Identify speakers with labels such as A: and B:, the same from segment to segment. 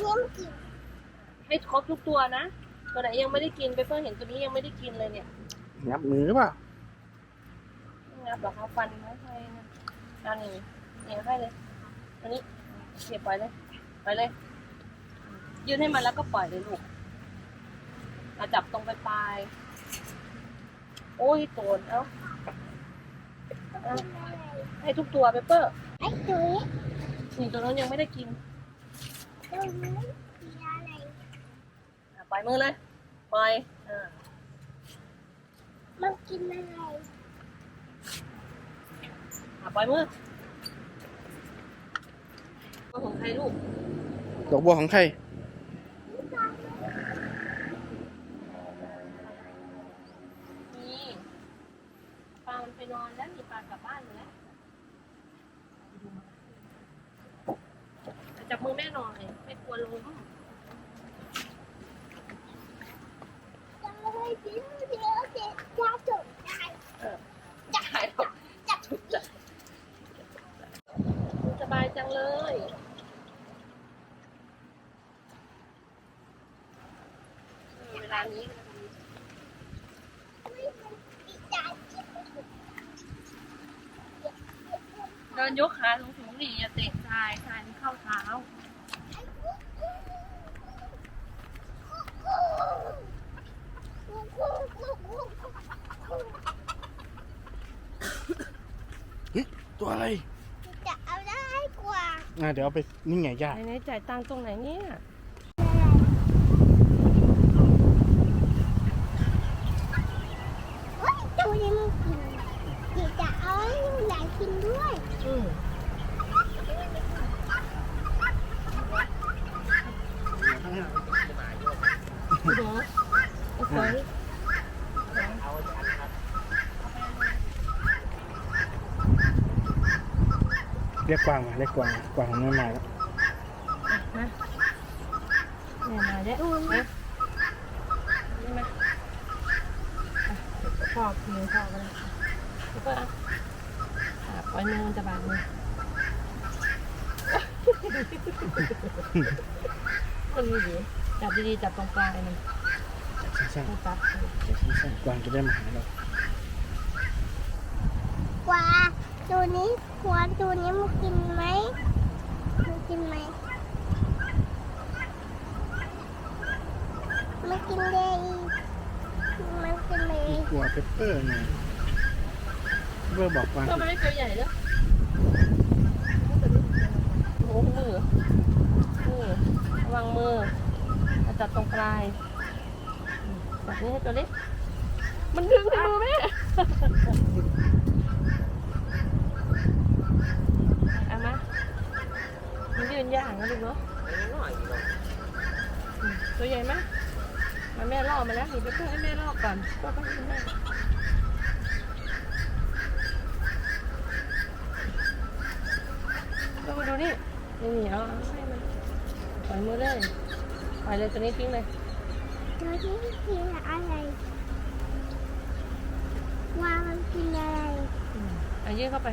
A: นี้มันกิน
B: ให้ครบทุกตัวนะตัวไหนยังไม่ได้กินไปเพิ่งเห็นตัวนี้ยังไม่ได้กินเลยเนี่ย
C: งับมือหรือเปล่า
B: งับหรอเขาฟันไม่ให้นะเอานี่นี่ให้เลยอันนี้เก็บปล่อยเลยไปเลยยื่นให้มันแล้วก็ปล่อยเลยลูกเอาจับตรงปลายโอ้ยโตนเอ้าให้ทุกตัวไปเปอร์
A: ไอ้ตัวนี้
B: นี่ตัวนั้นยังไม่ได้กิน
A: ตัวนี้มีอะไร
B: ปล่อยมือเลยปล่อย
A: มันกินอะไร
B: ปล่อยมือของใครลูก
C: ดอกบัวของใคร
B: นี่ปลามันไปนอนแล้วมีปลากลับบ้านอยู่แล้วจับมือแม่หน่อยไม่กลัวล้ม
A: จะจบได้
B: จะหายหรอกสบายจังเลยเวลานี้เดินยกขาสูงๆนี่อย่าเตะทรายมันเข้าเท้า
C: ตัวอะไร
A: จะเอาได้กว่า
C: เดี๋ยวเอาไปนี่ไงย่า
B: ไหนจ่ายตังค์ตรงไหนเนี่ย
A: ตัวนี้มันกินเดี๋ยวจะเอาให้หลานกินด้วย
C: เรียกกวางมาเรียกกวางของแม่มาแล้ว
B: มาแล้วนะนี่มาพอกมือพอกเลยแล้วก็ปล่อยมือมันจะบาดมือมันมีดีจับดีๆจับตรงปลายมัน
C: สั้น
B: ๆจับ
C: กวางจะได้มาหาเรา
A: กว่าตัวนี้กว่าตัวนี้มันกินไหมมันกินไหมมันกินเลยมันกินเลย
C: กลัวเปปเปอร์ไงเปปเปอร์บอกกวาง
B: ก็ไม่ตัวใหญ่แล้วโอ้มือระวังมือจับตรงปลายจับนี้ให้ตัวเล็กมันดึงในมือแม่เอามามันยืนย่างนะลูกเนาะตัวใหญ่ไหมมาแม่ล่อมาแล้วหนูไปเพื่อให้แม่ล่อก่อนก็ต้องให้แม่ก็มาดูนี่เอาให้มันปล่อยมือเลยปล่อยเลยตัวนี้ทิ้งเลย
A: ตัวนี้กินอะไรว่ามันกินอะไร
B: ยื่นเข้าไป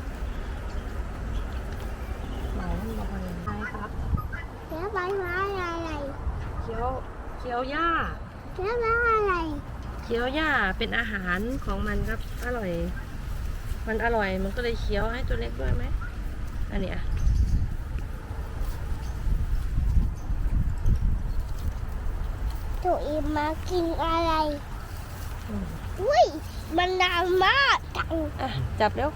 B: หมายมันบอกอะไรใช่ครับ
A: แล้วใบไม้อะไร
B: เคี้ยวหญ้า
A: แล้วใบอะไร
B: เคี้ยวหญ้าเป็นอาหารของมันครับอร่อยมันอร่อยมันก็เลยเคี้ยวให้ตัวเล็กด้วยไหมอันนี้
A: ตัวอีมากินอะไรอุ้ยมันดำมาก
B: จับเร็ว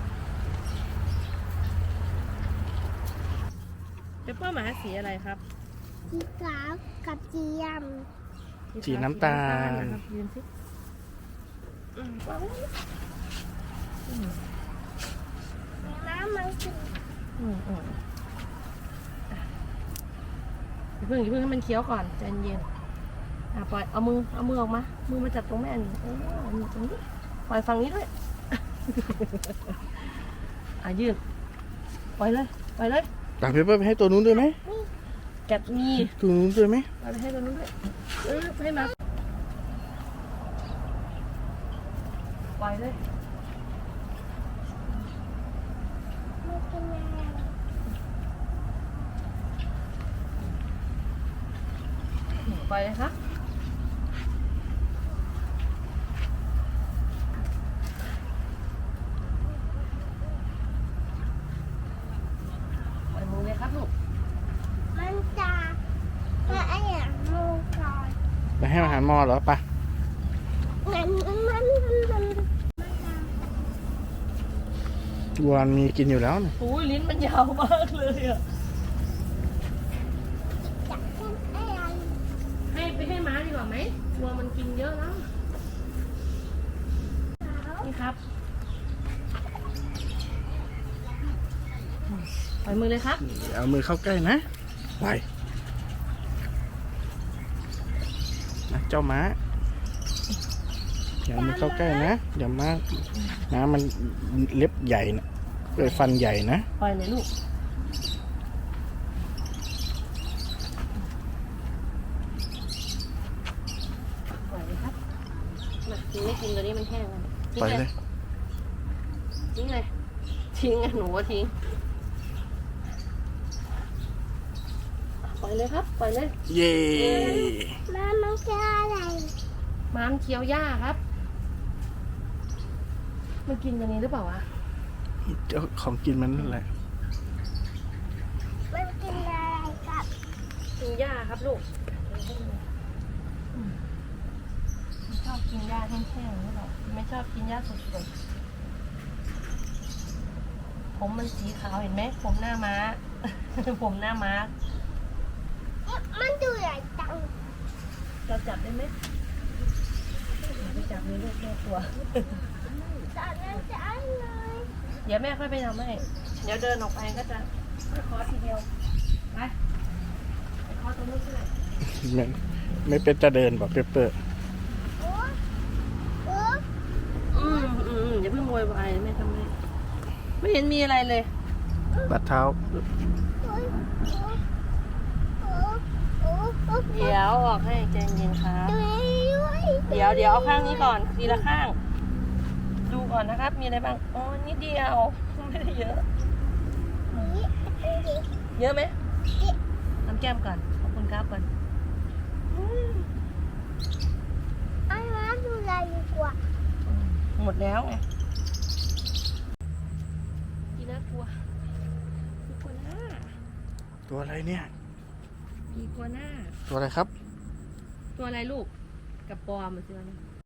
B: เปเปอร์หมาสีอะไรครับ
A: สีขาวกับสีด
C: ำสีน้ำตาล
B: ยืนสิ
A: น้ำมันกิน
B: เพิ่งให้มันเคี้ยวก่อนใจเย็นปล่อยเอามือออกมามือมาจับตรงแม่นี่มือตรงนี้ปล่อยฝั่งนี้ด้วยยืดปล่อยเลย
C: ตักเปปเปอร์ไปให้ตัวนู้นด้วยไหม
B: แกะมี
C: ตัวนู้นด้วยไหม
B: ไปให้ตัวนู้นด้วยให้มาปล่อยเลยปล่อยเลยครับปล่อยมือเลยครับลูก
A: มันจะมาไอ้อย่างมูก่อน
C: ไปให้อาหารมอเหรอปะ
A: มัน
C: วัวมีกินอยู่แล้วนี่
B: โอ้ยลิ้นมันยาวมากเลยอ่ะ
A: จะเป็นอะไร
B: ให้ม้าดีกว่าไหมวัวมันกินเยอะแล้วนี่ครับปล่อยมือเลยครับ
C: เอามือเข้าใกล้นะไปนะเจ้าม้าอย่าเอามือเข้าใกล้นะอย่ามาม้ามันเล็บใหญ่นะเลยฟันใหญ่นะ
B: ปล่อยเลยลูกปล่อยเลยครับมากินไม่กินตัวนี้มันแห้งแล้วทิ้ง
C: ไปเลย
B: ทิ้งเลยทิ้งอ่ะหนูว่าทิ้งปล่อยเลยครับปล่อยเลย
C: เย่
A: มันจะอะไร
B: ม้ามเคี้ยวหญ้าครับ มันกินตัวนี้หรือเปล่าวะ
C: เจ้าของกินมันนั่นแหละ
A: มันกินอะไรกับ
B: กินหญ้าครับลูกไม่ชอบกินหญ้าแห้งๆนี่หรอกไม่ชอบกินหญ้าสดๆผมมันสีขาวเห็นไหมผมหน้าม้า ผมหน้าม้า
A: มันดูใหญ่จัง
B: เราจับได้ไหมอย่าไปจับเลยลูกแม่กลัว
A: ตอนนั้นจะอะไร
B: เดี๋ยวแม่ค่อยไปทำให้เดี๋ยวเดินออกไปก็จะคอทีเดียวไปคอตรงนู้นใช่ไหม
C: ไม่เป็นจะเดินบอกเปเปอร์
A: โอ้โอ้
B: อย่าเพิ่งโวยวายแม่ทำให้ไม่เห็นมีอะไรเลย
C: บัดเท้า
B: เดี๋ยวออกให้ใจเย็นครับ
A: ด้วย
B: เดี๋ยวเอาข้างนี้ก่อนทีละข้าง ดูก่อนนะครับ มีอะไรบ้างอ๋อนิดเดียวไม่ได้เยอะ เยอะไหมน้ำแก้มก่อนขอบคุณครับก่อน
A: ไอ้มาดูอะไรดีกว่า
B: หมดแล้วไงพี่น่ากลัวพี่กลัวหน้า
C: ตัวอะไรเนี่ย
B: พี่กลัวหน้า
C: ตัวอะไรครับ
B: ตัวอะไรลูกกับปอมมันเจอเนี่ย